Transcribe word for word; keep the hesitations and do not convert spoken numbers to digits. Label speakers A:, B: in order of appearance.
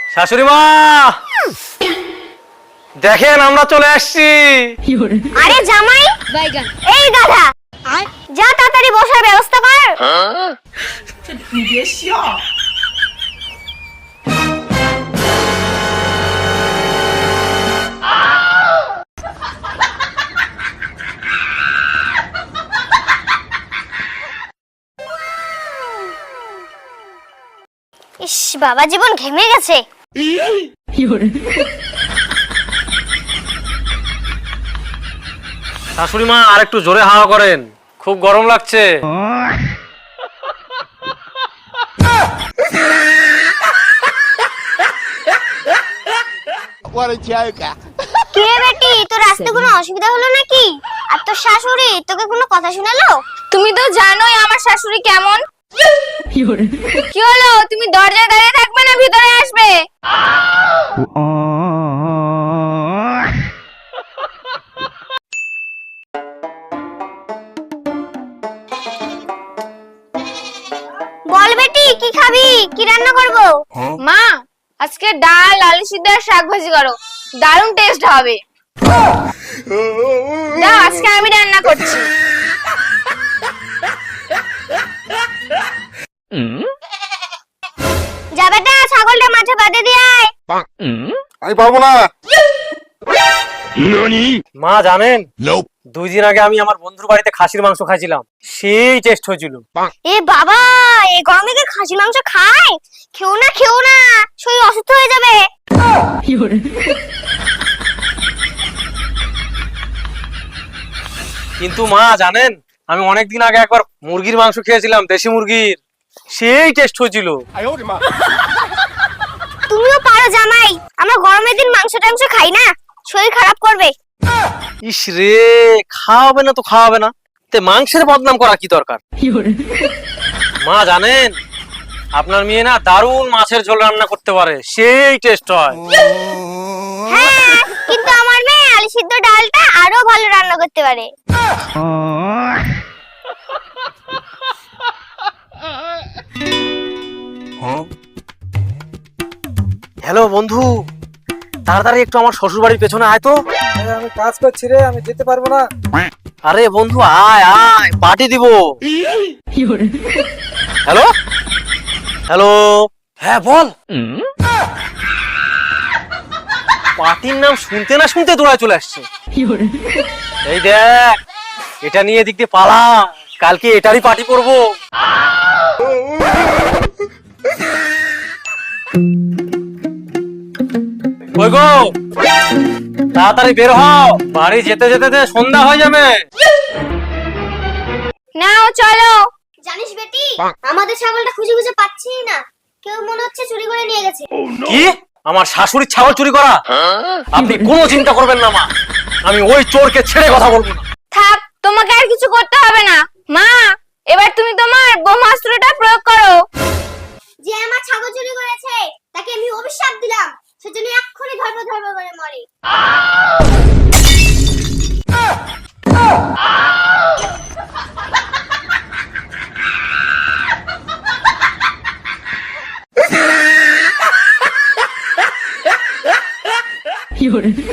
A: শাশুড়ি মা দেখেন আমরা চলে আসছি।
B: আরে জামাই বাইগান এই গাধা যা তাড়াতাড়ি বসার ব্যবস্থা কর। ইস বাবা জীবন ঘেমে গেছে।
A: শাশুড়ি মা আর একটু জোরে হাওয়া করেন, খুব গরম লাগছে।
B: কে বেটি তোর আসতে কোনো অসুবিধা হলো নাকি? আর তোর শাশুড়ি তোকে কোনো কথা শোনালো?
C: তুমি তো জানোই আমার শাশুড়ি কেমন। কি হলো, তুমি দরজায় দাঁড়িয়ে থাকবে না ভিতরে আসবে?
B: বল বেটি কি খাবি, কি রান্না করব?
C: মা আজকে ডাল আলু সিদ্ধ আর শাক ভাজি করো, দারুণ টেস্ট হবে। দাও আজকে আমি রান্না করছি।
B: যা বেটা ছাগলটা মাঠে বাঁধে দিয়ে আয়।
D: আমি পারবো না।
A: মা জানেন দুই দিন আগে আমি আমার বন্ধুর বাড়িতে খাসির মাংস খাইছিলাম, সেই টেস্ট হয়েছিল।
B: এ বাবা এই গরমে কি খাসি মাংস খায়? খেও না খেও না, শরীর অসুস্থ হয়ে যাবে।
A: কিন্তু মা জানেন আমি অনেকদিন আগে একবার মুরগির মাংস খেয়েছিলাম, দেশি মুরগির, সেই টেস্ট হয়েছিল।
B: তুমিও পারো জামাই, আমরা গরমের দিন মাংস টাংস খাই না, শরীর খারাপ করবে।
A: ইস রে, খাওয়াবে না তো খাওয়াবে না, তে মাংসের বদনাম করা কি দরকার? মা জানেন আপনার মেয়ে না দারুণ মাছের ঝোল রান্না করতে পারে, সেই টেস্ট হয়।
B: হ্যাঁ কিন্তু আমার মেয়ে আলু সিদ্ধ ডালটা আরো ভালো রান্না করতে পারে।
A: হ্যালো বন্ধু, তাড়াতাড়ি একটু আমার শ্বশুর বাড়ির পেছনে আয় তো।
E: আমি কাজ করছি রে, আমি যেতে পারবো না।
A: আরে বন্ধু আয় আয়, পার্টি দিব। হ্যালো হ্যালো, হ্যাঁ বল। পার্টির নাম শুনতে না শুনতে দৌড়ায় চলে আসছে। এই দেখ এটা নিয়ে দিক দিয়ে পালা, কালকে এটারই পার্টি করবো। কই গো, তাড়াতাড়ি বের হও, বাড়ি যেতে যেতে সন্ধ্যা হয়ে যাবে।
C: নাও চলো।
B: জানিস বেটি আমাদের ছাগলটা খুঁজে খুঁজে পাচ্ছি না, কেউ মনে হচ্ছে চুরি করে নিয়ে গেছে।
A: কি আমার শাশুড়ির ছাগল চুরি করা? আপনি কোনো চিন্তা করবেন না মা, আমি ওই চোরকে ছেড়ে কথা বলবো না।
C: থাক, তোমাকে আর কিছু করতে হবে না। মা এবার তুমি তোমার ব্রহ্মাস্ত্রটা প্রয়োগ করো।
B: যে আমার ছাগল চুরি করেছে তাকে আমি অভিশাপ দিলাম, সেজন্য এক্ষুনি ধর্ম ধর্ম করে মরে।
F: You're